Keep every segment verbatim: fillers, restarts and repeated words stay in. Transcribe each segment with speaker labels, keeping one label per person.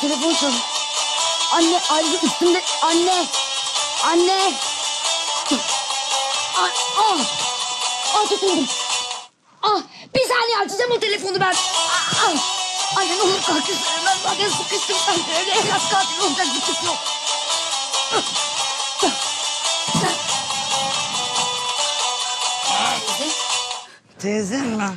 Speaker 1: telefon çalıyor. Anne, Ayrıca üstümde... Anne! Anne! Ah! Ah! Ah tutundum. Ah! Bir saniye açacağım o telefonu ben. Ah! Ah! Anne ne olur kalk üstüne. Ben zaten sıkıştım. Ben öyle evlat katili olacak bir kız yok.
Speaker 2: Teyzem mi?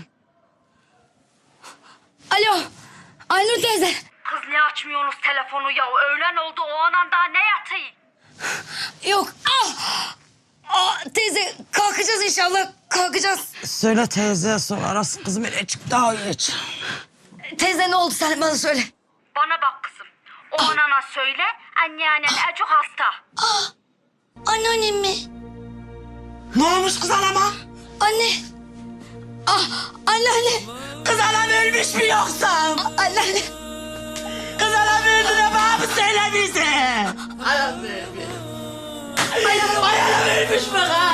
Speaker 1: Alo! Aynur teyze.
Speaker 3: Kız niye açmıyorsunuz telefonu ya? Öğlen oldu o anan daha ne yatayım?
Speaker 1: Yok. Ah! Ah, teyze kalkacağız inşallah. Kalkacağız.
Speaker 2: Söyle teyzeye sor. Arası kızım ile çık daha geç.
Speaker 1: Teyze ne oldu sen bana söyle.
Speaker 3: Bana bak kızım. O anana söyle anneannen çok hasta.
Speaker 1: Ah! Anneannem mi?
Speaker 2: Ne olmuş kız anama?
Speaker 1: Anne. Ah! Anneanne.
Speaker 2: Kız anam ölmüş mü yoksa?
Speaker 1: Anneanne.
Speaker 2: Kız anam öldü de bana mı söyle bize? Anam ölmüş. Ay anam, ay anam ölmüş mü kız?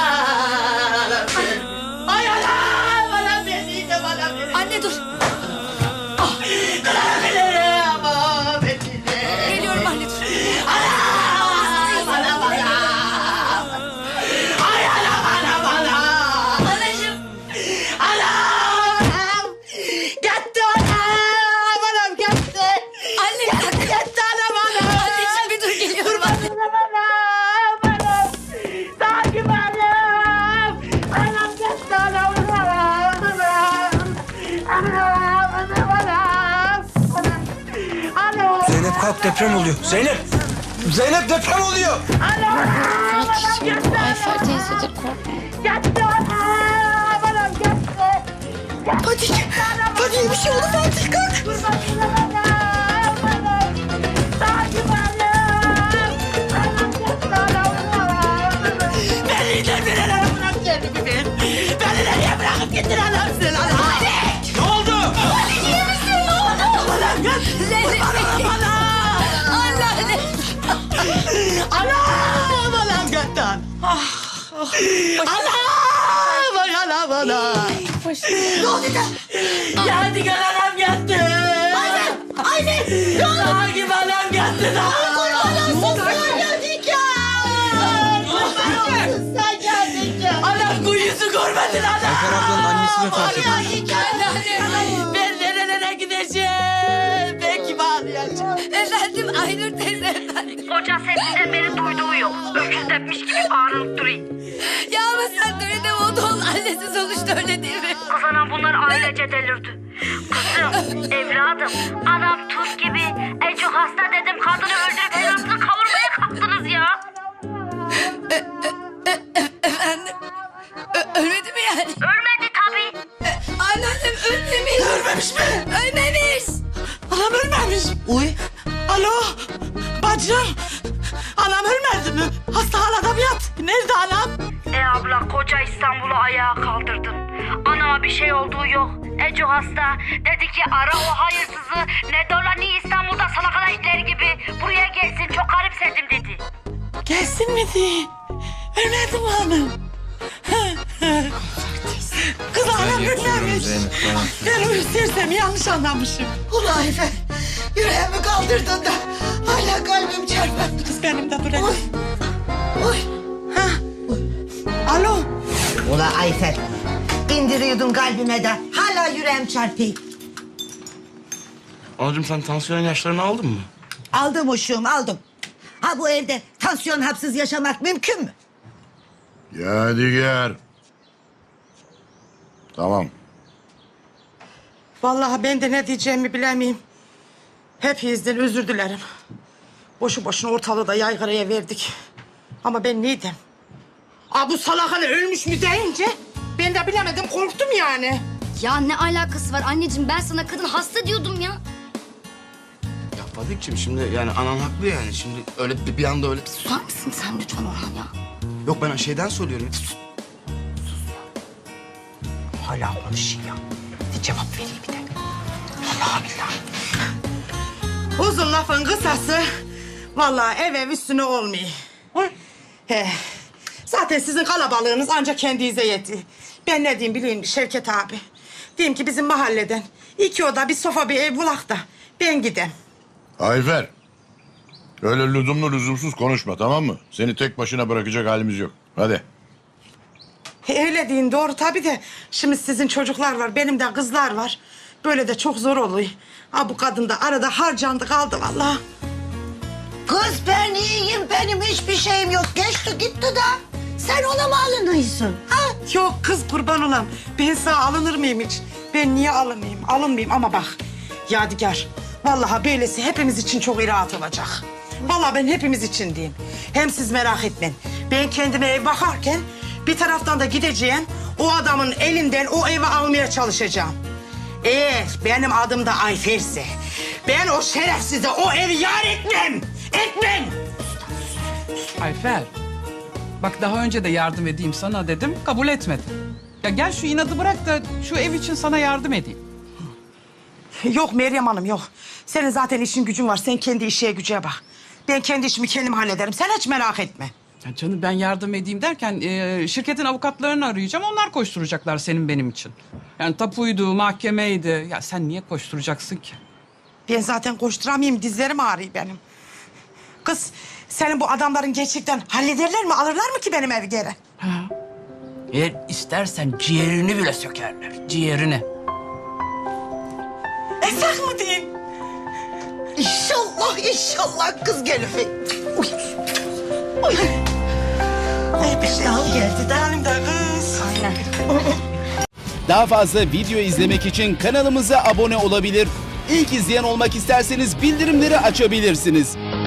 Speaker 2: Ay anam, anam beni de bana verin.
Speaker 1: Anne dur.
Speaker 2: Kız anam beni ama beni de.
Speaker 1: Geliyorum anne dur.
Speaker 2: Anam, anam, anam. Ay anam, anam, anam.
Speaker 1: Anacığım.
Speaker 2: Anam, anam. Gitti anam, anam gitti.
Speaker 1: Anne bir dakika.
Speaker 2: Gitti anam, anam.
Speaker 1: Anneciğim bir dur geliyorum.
Speaker 2: Anam, anam, anam. Takip anam. Anam gitti anam, anam, anam. Anam, anam, anam. Anam.
Speaker 4: Zeynep kalk, deprem oluyor. Zeynep! Zeynep deprem oluyor!
Speaker 1: Ayfer teyzedir korkma.
Speaker 2: Gitti anam, anam gitti.
Speaker 1: Fatih. Fatih bir şey oldu Fatih kalk.
Speaker 2: Beni de bir ara bırak kendimi ben. Beni nereye bırakıp gittin anam sen anam?
Speaker 4: Ne oldu?
Speaker 1: İyi misin ne oldu?
Speaker 2: Anam git.
Speaker 1: Zeynep.
Speaker 2: Anam anam.
Speaker 1: Anneanne.
Speaker 2: Anam anam gitti. Anam anam anam.
Speaker 1: Ne oldu da?
Speaker 2: Yadigar anam gitti.
Speaker 1: Ayfer. Ayfer. Ne oldu?
Speaker 2: Takip anam gitti.
Speaker 1: Kurban olsun sana
Speaker 2: Yadigar. Kurban olsun sen Yadigar. Anam kuyusu görmedin anam.
Speaker 4: Ayfer ablanın annesi vefat etti.
Speaker 1: Anneanne.
Speaker 2: Ben nerelere gideceğim? Ben kime ağlayacağım?
Speaker 1: Efendim Aynur teyze efendim.
Speaker 3: Koca sesinden beri duyduğu yok. Öküz tepmiş gibi bağırıp duruyor.
Speaker 1: Ya ama sen de öyle deme o da onun annesi sonuçta öyle değil mi?
Speaker 3: Kız anam bunlar ailece delirdi. Kızım, evladım, anam tuz gibi. En çok hasta dedim kadını öldürüp evlatını kavurmaya kalktınız ya.
Speaker 1: Efendim? Ö- ölmedi mi yani?
Speaker 3: Ölmedi tabii.
Speaker 1: E, anneannem ölmemiş.
Speaker 2: Ölmemiş mi?
Speaker 1: Ölmemiş.
Speaker 2: Anam ölmemiş. Uy. Alo. Bacım. Anam ölmedi mi? Hastanede mi yat? Nerede anam?
Speaker 3: E abla koca İstanbul'u ayağa kaldırdın. Anama bir şey olduğu yok. Eco hasta. Dedi ki ara o hayırsızı. Ne dolanıyor İstanbul'da salakala itleri gibi. Buraya gelsin çok garipsedim dedi.
Speaker 2: Gelsin mi diye. Ölmedi mi anam? Kız anam ölmemiş.
Speaker 4: Zeynep, tamam.
Speaker 2: Ben uyuz sersem yanlış anlamışım.
Speaker 5: Ulan Ayfer, yüreğimi kaldırdın da hala kalbim çarpar.
Speaker 2: Kız benim de buraya.
Speaker 5: Oy, oy.
Speaker 2: Ha. Alo.
Speaker 5: Ulan Ayfer, indiriyordun kalbime de hala yüreğim çarpıyor.
Speaker 4: Anacığım sen tansiyon ilaçlarını aldın mı?
Speaker 5: Aldım uşuğum, aldım. Ha bu evde tansiyon hapsız yaşamak mümkün mü?
Speaker 6: Yadigar. Tamam.
Speaker 2: Vallahi ben de ne diyeceğimi bilemeyim. Hepinizden özür dilerim. Boşu boşuna ortalığı da yaygaraya verdik. Ama ben neydim? Aa, bu salak hani ölmüş mü deyince ben de bilemedim, korktum yani.
Speaker 1: Ya ne alakası var anneciğim ben sana kadın hasta diyordum ya.
Speaker 4: Ya Fadik'ciğim şimdi yani anan haklı yani. Şimdi öyle bir, bir anda öyle...
Speaker 1: Susar mısın sen lütfen Orhan ya?
Speaker 4: Yok ben şeyden söylüyorum.
Speaker 2: Hala konuşuyor ya. Bir cevap vereyim bir de. Allah billahi. Uzun lafın kısası. Vallahi ev ev üstüne olmuyor. He. Zaten sizin kalabalığınız ancak kendinize yetti. Ben ne diyeyim bileyim Şevket abi. Diyeyim ki bizim mahalleden iki oda bir sofa bir ev bulak da ben gidem.
Speaker 6: Ayfer. Öyle lüzumlu lüzumsuz konuşma, tamam mı? Seni tek başına bırakacak halimiz yok. Hadi.
Speaker 2: He, öyle deyin doğru tabii de şimdi sizin çocuklar var, benim de kızlar var. Böyle de çok zor oluyor. Ha bu kadın da arada harcandı kaldı vallahi.
Speaker 5: Kız ben iyiyim, benim hiçbir şeyim yok. Geçti gitti de. Sen ona mı alınıyorsun? Ha?
Speaker 2: Yok kız kurban olam. Ben sana alınır mıyım hiç? Ben niye alınmayayım? Alınmayayım ama bak Yadigar. Vallahi böylesi hepimiz için çok rahat olacak. Vallahi ben hepimiz için diyeyim. Hem siz merak etmeyin. Ben kendime ev bakarken bir taraftan da gideceğim. O adamın elinden o evi almaya çalışacağım. Eğer benim adım da Ayfer'se ben o şerefsize o evi yar etmem. Etmem.
Speaker 7: Ayfer, bak daha önce de yardım edeyim sana dedim, kabul etmedin. Ya gel şu inadı bırak da şu ev için sana yardım edeyim.
Speaker 2: Yok Meryem Hanım yok. Senin zaten işin gücün var. Sen kendi işe gücüne bak. Ben kendi işimi kendim hallederim. Sen hiç merak etme.
Speaker 7: Ya canım ben yardım edeyim derken e, şirketin avukatlarını arayacağım. Onlar koşturacaklar senin benim için. Yani tapuydu, mahkemeydi. Ya sen niye koşturacaksın ki?
Speaker 2: Ben zaten koşturamayayım. Dizlerim ağrıyor benim. Kız senin bu adamların gerçekten hallederler mi? Alırlar mı ki benim evi geri?
Speaker 7: Eğer istersen ciğerini bile sökerler. Ciğerini.
Speaker 2: Esak mı diyeyim?
Speaker 5: İnşallah, inşallah kız gelir. Uy. Uy. Ay bir daha geldi de.
Speaker 2: Benim de kız.
Speaker 5: Aynen.
Speaker 8: Daha fazla video izlemek için kanalımıza abone olabilir. İlk izleyen olmak isterseniz bildirimleri açabilirsiniz.